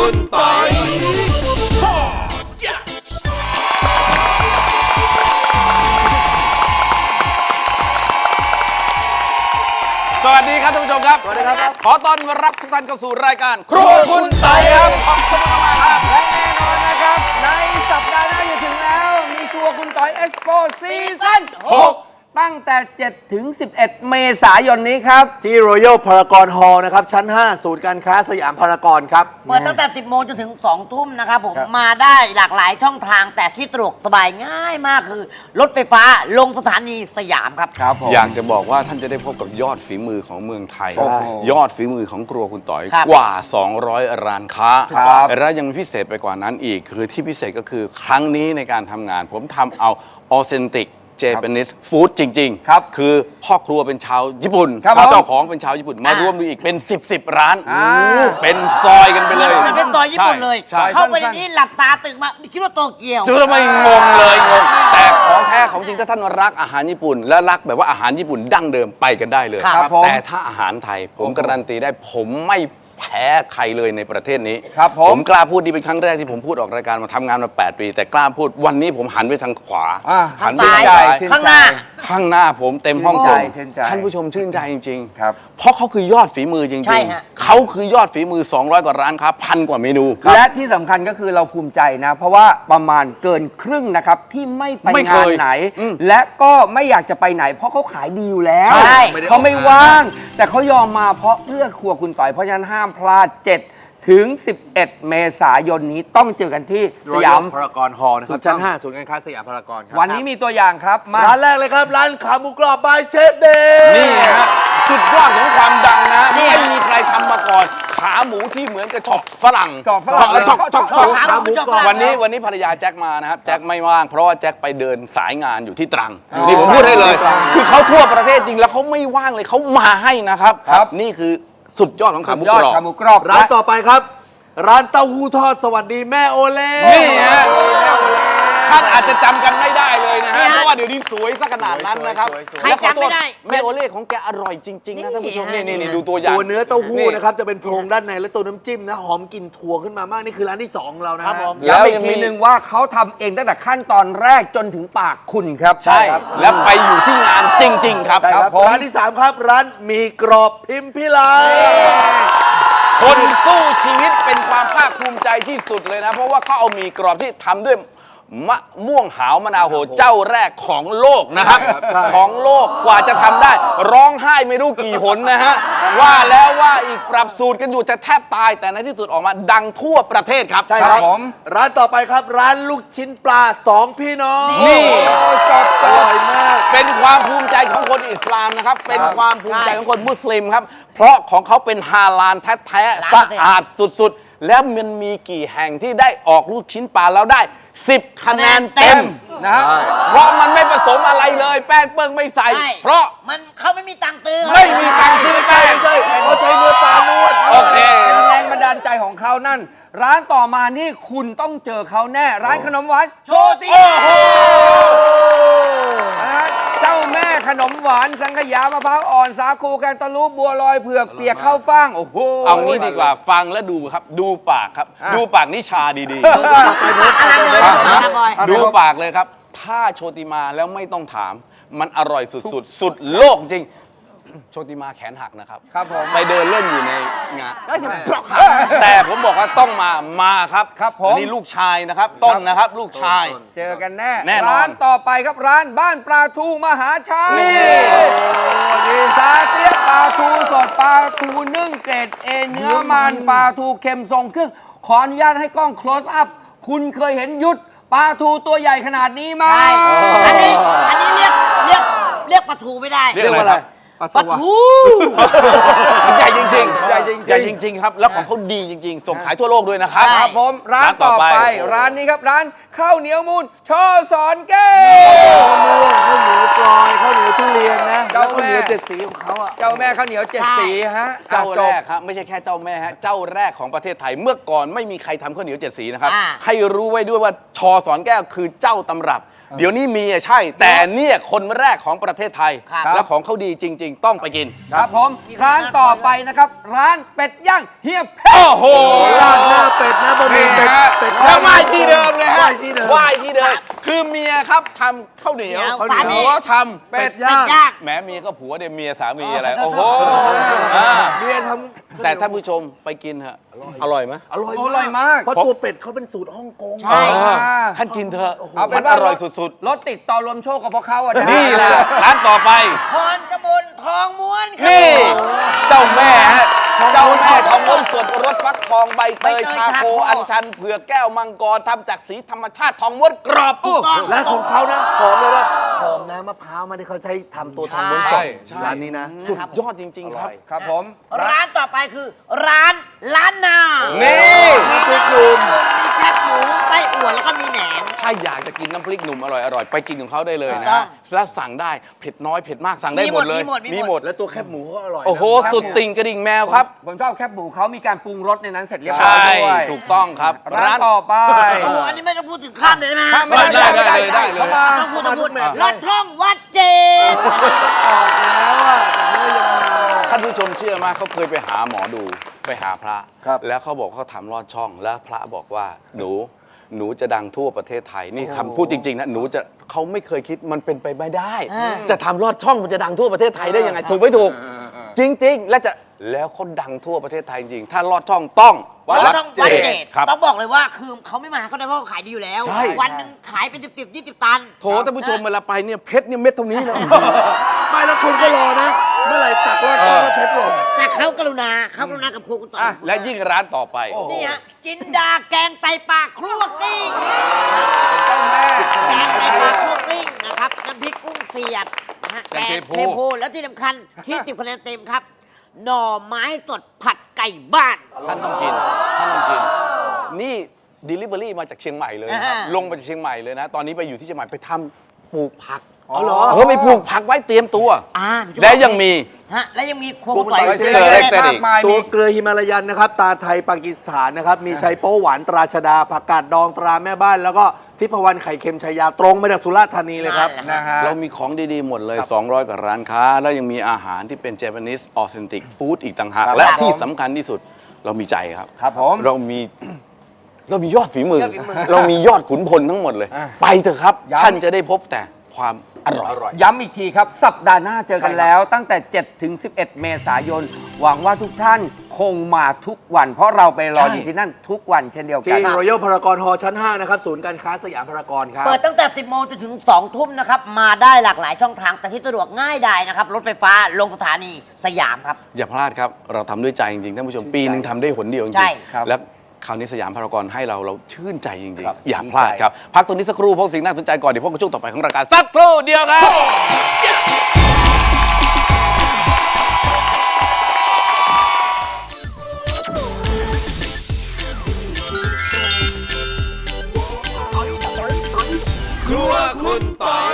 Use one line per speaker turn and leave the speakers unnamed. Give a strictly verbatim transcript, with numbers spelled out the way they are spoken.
คุณปอยสวัสดีครับท่านผู้ชมครับสวัสดีครับขอต้อนรับทุกท่านเข้าสู่รายการครัวคุณปอยครับขอบคุณมากครับ
และแน่นอนนะครับในสัปดาห์หน้าจะถึงแล้วมีครัวคุณต่อยเอ็กซ์โปซีซั่นหกตั้งแต่ เจ็ดถึงสิบเอ็ด เมษายนนี้ครับ
ที่ Royal Paragon Hall นะครับชั้น ห้า ศูนย์การค้าสยามพารากอนครับ
เปิดตั้งแต่ สิบโมงจนถึง สองทุ่มนะครับผมมาได้หลากหลายช่องทางแต่ที่สะดวกสบายง่ายมากคือ รถไฟฟ้าลงสถานีสยามครับ
ครับผม
อยากจะบอกว่าท่านจะได้พบกับยอดฝีมือของเมืองไทย ยอดฝีมือของครัวคุณต่อยกว่า สองร้อย ร้านค้าและยังมีพิเศษไปกว่านั้นอีกคือที่พิเศษก็คือครั้งนี้ในการทำงานผมทำเอาออเทนติกเจแปนิสฟู้ดจริงๆครับคือพ่อครัวเป็นชาวญี่ปุ่นเจ้าของเป็นชาวญี่ปุ่นมารวมดูอีกเป็นสิบสิบร้านเป็นซอยกันไปเลย
เป็นซอยญี่ปุ่นเลยเข้าไปในนี้หลับตาตื่นมาคิดว่าโตเกียว
จะไม่งงเลยงงแต่ของแท้ของจริงถ้าท่านรักอาหารญี่ปุ่นและรักแบบว่าอาหารญี่ปุ่นดั้งเดิมไปกันได้เลยแต่ถ้าอาหารไทยผมการันตีได้ผมไม่แพ้ใครเลยในประเทศนี้
ครับผม
ผมกล้าพูดดีเป็นครั้งแรกที่ผมพูดออกรายการมาทำงานมาแปดปีแต่กล้าพูดวันนี้ผมหันไปทางขวา
หันไปทางซ้ายข้างหน้า
ข้างหน้าผมเต็มห้องส่งท่านผู้ชมชื่นใจจริง
ๆครับ
เพราะเขาคือยอดฝีมือจริงๆเขาคือยอดฝีมือสองร้อยกว่าร้านค้าพันกว่าเมนู
และที่สำคัญก็คือเราภูมิใจนะเพราะว่าประมาณเกินครึ่งนะครับที่ไม่ไปงานไหนและก็ไม่อยากจะไปไหนเพราะเขาขายดีอยู่แล้วเขาไม่ว่างแต่เขายอมมาเพราะเพื่อครัวคุณต่อยเพราะฉะนั้นห้ามพลาดเจ็ดถึงสิบเอ็ด เมษายนนี้ต้องเจอกันที่สยาม
พารากอนฮอลล์นะครับชั้น ห้า ศูนย์การค้าสยามพารากอนครับ
วันนี้มีตัวอย่างครับ
มาร้านแรกเลยครับร้านขาหมูกรอบบายเชฟเดย์
นี่ฮะสุดยอดของความดังนะไม่มีใครทำมาก่อนขาหมูที่เหมือนกับช็อปฝรั่ง
ช็อปฝรั่ง
ช็อปช็อปช็อปขาหมูกรอบวันนี้วันนี้ภรรยาแจ็คมานะครับแจ็คไม่ว่างเพราะว่าแจ็คไปเดินสายงานอยู่ที่ตรังนี่ผมพูดให้เลยคือเขาทั่วประเทศจริงแล้วเขาไม่ว่างเลยเขามาให้นะครับนี่คือสุดยอดของขาหมูกรอบ
ร้านต่อไปครับร้านเต้าหู้ทอดสวัสดีแม่โอเล่
นี่ฮะท่านอาจจะจำกันไม่ได้เลยนะฮะเพราะว่าเดี๋ยวนี้สวยซะขนาดนั้นนะครับ
ใครจำไม่ได้
แม่โอเล่ของแกอร่อยจริงๆนะท่านผู้ชมนี่นี่ดูตัวอย่าง
ตัวเนื้อเต้าหู้นะครับจะเป็นโพรงด้านในและตัวน้ำจิ้มนะหอมกลิ่นถั่วขึ้นมามากนี่คือร้านที่สองเรานะ
แล้วอีกทีนึงว่าเขาทำเองตั้งแต่ขั้นตอนแรกจนถึงปากคุณครับ
ใช่แล้วไปอยู่ที่งานจริงๆครับ
ร้านที่สามครับร้านมีกรอบพิมพิลา
คนสู้ชีวิตเป็นความภาคภูมิใจที่สุดเลยนะเพราะว่าเขาเอาหมี่กรอบที่ทำด้วยมะม่วงหาวมะนาวโหเจ้าแรกของโลกนะครับของโลกกว่าจะทำได้ร้องไห้ไม่รู้กี่หนนะฮะว่าแล้วว่าอีกปรับสูตรกันอยู่จะแทบตายแต่ในที่สุดออกมาดังทั่วประเทศครับ
ใช่ครับผมร้านต่อไปครับร้านลูกชิ้นปลาสองพี่น้อง
นี่
จบอร่อยมาก
เป็นความภูมิใจของคนอิสลามนะครับเป็นความภูมิใจของคนมุสลิมครับเพราะของเขาเป็นฮาลาลแท้ๆสะอาดสุดๆแล้วมันมีกี่แห่งที่ได้ออกลูกชิ้นปลาแล้วได้สิบคะแนนเต็มนะเพราะมันไม่ผสมอะไรเลยแป้งเปิ้งไม่ใส่เพราะ
มันเขาไม่มีตังค์ซื้อ
ไม่มีตังค์ซื้อแป้ง
เขาใช้เนื้อปลานวด
โอเค
แรงบันดาลใจของเขานั่นร้านต่อมานี่คุณต้องเจอเขาแน่ร้านขนมหวานโชติโอ้โหเจ้าแม่ขนมหวานสังขยามะพร้าวอ่อนสาคูแกงตะลุบัวลอยเผือกเปียกข้าวฟ่างโอ้โห
เอางี้ดีกว่าฟังแล้วดูครับดูปากครับดูปากนิชาดีๆดูปากเลยครับถ้าโชติมาแล้วไม่ต้องถามมันอร่อยสุดๆสุดโลกจริงโชติมาแขนหักนะครับ
ครับผม
ไปเดินเล่นอยู่ในงานแต่ผมบอกว่าต้องมามาครับ
ครับผม
นี่ลูกชายนะครับต้นนะครับลูกชาย
เจอกันแน่
แน่นอน
ร้านต่อไปครับร้านบ้านปลาทูมหาชัยนี่ซาเตียปลาทูสดปลาทูนึ่งเกรดเอเนื้อมันปลาทูเค็มทรงเครื่องขออนุญาตให้กล้อง close up คุณเคยเห็นยุทธปลาทูตัวใหญ่ขนาดนี้ไหม
อันนี้อันนี้เรียกเรียกเรียกปลาทูไม่ได้
เรียกว่าอะไร
ปลาทู
ใหญ่จริงๆใหญ่จริงๆใหญ่จริงๆครับแล้วของเขาดีจริงๆส่งขายทั่วโลกด้วยนะครับ
ครับผมร้านต่อไปร้านนี้ครับร้านข้าวเหนียวมูลช่อสอนแก้
วข้าวเหนียวกลอยข้าวเหนียวทุเรียนนะข้าวเหนียวเจ็ดสีของเขาอ่ะ
เจ้าแม่ข้าวเหนียวเจ็ดสีฮะ
เจ้าแรกครับไม่ใช่แค่เจ้าแม่ฮะเจ้าแรกของประเทศไทยเมื่อก่อนไม่มีใครทำข้าวเหนียวเจ็ดสีนะครับให้รู้ไว้ด้วยว่าชอสอนแก้วคือเจ้าตำรับเดี๋ยวนี้มีอะใช่ แต่เนี่ยคนแรกของประเทศไทย
ครับ
และของเขาดีจริง ๆ ต้องไปกิน
ครับผมร้านต่อไปนะครับ ร้านเป็ดย่างเฮียเพชร
โอ้โห
ราดหน้าเป็ดนะบะหมี่
นี่
เป็ด
ฮะ
เป็ด
แล้วไหว้ที่เดิมเลย
ไห
ฮะ
ว้ที่เดิม
ไหว้ที่เดิม คือเมียครับทำข้าวเหนียว
เดี๋ยว
ข้าวเหนียว
สามี
ท
เป็ด
เป็
ย่า
ด
ง
ย่าง
ำแหมเมียก็ผัวเดี๋ยวเมียสามีอะไร
อ๋อ
โอ้โหอ่า
เมียทำ
แต่ท่านผู้ชมไปกินเถอะอร่อยไหม
อร่อย
อร่อยมาก
เพราะตัวเป็ดเขาเป็นสูตรฮ่องกง
ใช่
เออท่านกินเถอะ
เอาเป็
มัน น
ว่า
อร่อยสุด
รถติดต่อรวมโชคกับพวกเขาอ่ะ
ๆ นี่แหละร้านต่อไป
พรกมลทองม้วนครับ
นี่ เจ้าแม่ฮะเจ้าแม่ทองม้วนสดรสฟักทองใบเตย
ใบเตย
ชาโค
ชาโค
อัญชันเผือกแก้วมังกรทำจากสีธรรมชาติทองม้วนกรอบ
ถูกต้อง
และของเขานะหอมเลยว่าหอมน้ำมะพร้าวมาที่เขาใช้ทำตัวทองม้วนส
ใช่
ด
ใช่
ร้านนี้นะ
สุดยอดจริง ๆ ครับ
ครับผม
ร้านต่อไปคือร้านล้านนา
นี่
น้ำพริกหนุ่ม
มีแคบหมูไส้อั่วแล้วก็มีแหนม
ถ้าอยากจะกินน้ำพริกหนุ่มอร่อยๆ ไปกินของเขาได้เลยนะ
ถูกต้อ
ฮะ
ง
แล้วสั่งได้เผ็ดน้อยเผ็ดมากสั่งได้
มี
ห
ห
ม
ม
ด
ด
เลย
มีหมดมีหมด
มีหมด
และตัวแคบหมูเขาอร่อยนะ
โอ้โห สุดติ่งกระดิ่งแมวครับ
ผมชอบแคบหมูเขามีการปรุงรสในนั้นเสร็จเรียบร้
ใช่
อยด้วย
ถูกต้องครับ
ร้านต่อไป
โอ้โหอันนี้ไม่ต้องพูดถึงข้ามเลยได้ไหมฮะ
ข้ามไม่
ได้ได้เลยได้เลย
ข้ามา
ต้องพูดต้องพูด
มาทุกแมตช์
รถช่องวัดเจด
แล้วอ่ะแต่เนื้อยำนา
ท่านผู้ชมเชื่อไหมเขาเคยไปหาหมอดูไปหาพระ
ครับ
แล้วเขาบอกเขาทำลอดช่องแล้วพระบอกว่าหนูหนูจะดังทั่วประเทศไทยนี่คำพูดจริงๆนะหนูจะเขาไม่เคยคิดมันเป็นไปไม่ได้ จะทำลอดช่องมันจะดังทั่วประเทศไทยได้ยังไงถูกไม่ถูก จริง ๆ และจะแล้วเขาดังทั่วประเทศไทยจริงถ้าลอดช่องต้อง
วัดช่องวัดเจด
ครับ
ต้องบอกเลยว่าคือเขาไม่มาก็ได้เพราะเขาขายดีอยู่แล้ว
ใช่
วันหนึ่งขายเป็นสิบสิบยี่สิบตัน
โถท่านผู้ชมเวลาไปเนี่ยเพชรเนี่ยเม็ดเท่านี้เลย
ไม่แล้วคุณก็รอนะ เมื่อไหร่ตักรอดช่องแล้วเพชรหล่น
แต่เขากรุณาเขากรุณากับครัวคุณต่อ
อ่ะและยิ่งร้านต่อไป
นี่ฮะจินดาแกงไตปลาครัวกลิ้ง
เจ้าแม่
แกงไตปลาครัวกลิ้งนะครับน้ำพริกกุ้งเสียดนะฮะ
แกงเทโพ
โพแล้วที่สำคัญที่ติดคะแนนเต็มครับ หน่อไม้สดผัดไก่บ้าน
ท่านต้องกิน ท่านต้องกิน นี่ Delivery มาจากเชียงใหม่เลยนะครับ
อ่า
ลงมาจากเชียงใหม่เลยนะ ตอนนี้ไปอยู่ที่เชียงใหม่ไปทำปลูกผัก
อ๋อเหรอ
เออไปปลูกผักไว้เตรียมตัว
อ่า
และยังมี
ฮะและยังมีครัว
ครัว
คุณต่อย
คุณต่อย
เซอร์เล็กเตอร์
มากมาย
ตัว
มี
เกลือฮิมาลายันนะครับ ตาไทยปากีสถานนะครับ มีชัยโป๊หวานตราชดาผักกาดดองตราแม่บ้าน แล้วก็ทิพวรรณไข่เค็มชายาตรงมาจากสุราษฎร์ธานีเลยครับ
นะฮะ
เรามีของดี ๆ หมดเลย สองร้อย กว่าร้านค้า แล้วยังมีอาหารที่เป็น Japanese authentic food อีกต่างหาก
ครับ
และ
ครับ
ที่
ผม
สำคัญที่สุดเรามีใจครับ
ครับผม
เรามี เรามียอดฝีมือ
ยอดฝีมือ
เรามียอดขุนพลทั้งหมดเลย
อ่ะ
ไปเถอะครับ
ย้ำ
ท่านจะได้พบแต่ความอร่อย
ย้ำอีกทีครับ สัปดาห์หน้าเจอกันแล้ว ตั้งแต่ เจ็ดถึงสิบเอ็ด เมษายน หวังว่าทุกท่านคงมาทุกวัน เพราะเราไปรอ
ใช่
อยู่ที่นั่นทุกวันเช่นเดียวกัน
ที่ Royal Paragon Hall ชั้น ห้า นะครับ ศูนย์การค้าสยามพารากอนครับ
เปิดตั้งแต่ สิบโมงจนถึง สองทุ่มนะครับ มาได้หลากหลายช่องทาง แต่ที่สะดวกง่ายดายนะครับ รถไฟฟ้าลงสถานีสยามครับ
อย่าพลาดครับ เราทำด้วยใจจริงๆ ท่านผู้ชม ปีหนึ่งทำได้หนเดียวจริ
ใช่
ง
ครับ
ๆ แล้วคราวนี้สยามพารากอนให้เราเราชื่นใจจริง
ครับ
ๆ อย่าพลาดครับ พักตรงนี้สักครู่พบสิ่งน่าสนใจก่อน เดี๋ยวพบกับช่วงต่อไปของรายการสักครู่เดียวครับ ครัวคุณต่อย